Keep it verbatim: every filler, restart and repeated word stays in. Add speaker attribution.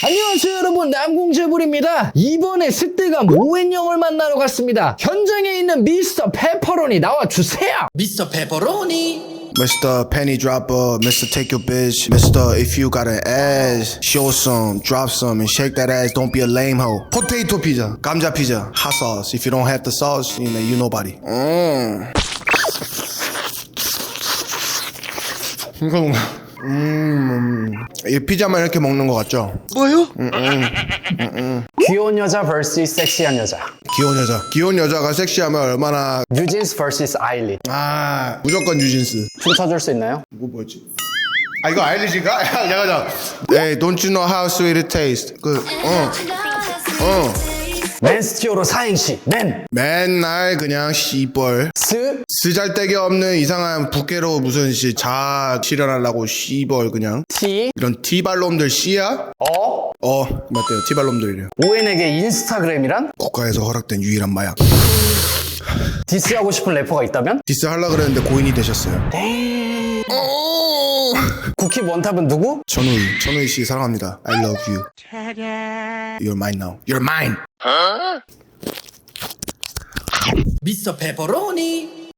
Speaker 1: 안녕하세요 여러분, 남궁재불입니다. 이번에 습대감 오웬영을 만나러 갔습니다. 현장에 있는 미스터 페퍼로니 나와주세요.
Speaker 2: 미스터 페퍼로니.
Speaker 3: Mister Penny Dropper, Mister Take Your Bitch, Mister If you got an ass, show some, drop some, and shake that ass. Don't be a lame hoe. Potato pizza, 감자 pizza, hot sauce. If you don't have the sauce, you know you nobody. 음. 이거 뭔가, 음, 이 피자만 이렇게 먹는 것 같죠?
Speaker 2: 뭐요?
Speaker 3: 음, 음, 음, 음.
Speaker 1: 귀여운 여자 vs 섹시한 여자.
Speaker 3: 귀여운 여자. 귀여운 여자가 섹시하면 얼마나
Speaker 1: 뉴진스 vs 아일리.
Speaker 3: 아 무조건 뉴진스.
Speaker 1: 춤춰줄 수 있나요?
Speaker 3: 이거 뭐였지? 아 이거 아일리지인가? 야 잠깐 잠깐. Hey, don't you know how sweet it tastes? 그 어. 어.
Speaker 1: 맨스티오로 사행시. 맨.
Speaker 3: 맨날 그냥 씨벌
Speaker 1: 스.
Speaker 3: 쓰잘데기 없는 이상한 부캐로 무슨 씨 자 실현하려고 씨벌 그냥
Speaker 1: 티.
Speaker 3: 이런 티발놈들 씨야?
Speaker 1: 어.
Speaker 3: 어 맞대요 티발놈들이래요.
Speaker 1: 오웬에게 인스타그램이란?
Speaker 3: 국가에서 허락된 유일한 마약.
Speaker 1: 디스하고 싶은 래퍼가 있다면?
Speaker 3: 디스 하려 그랬는데 고인이 되셨어요.
Speaker 1: 땡. 국힙 원탑은 누구?
Speaker 3: 천우희 천우희 씨 사랑합니다. I love you. You're mine now. You're mine.
Speaker 2: 미스터 페퍼로니.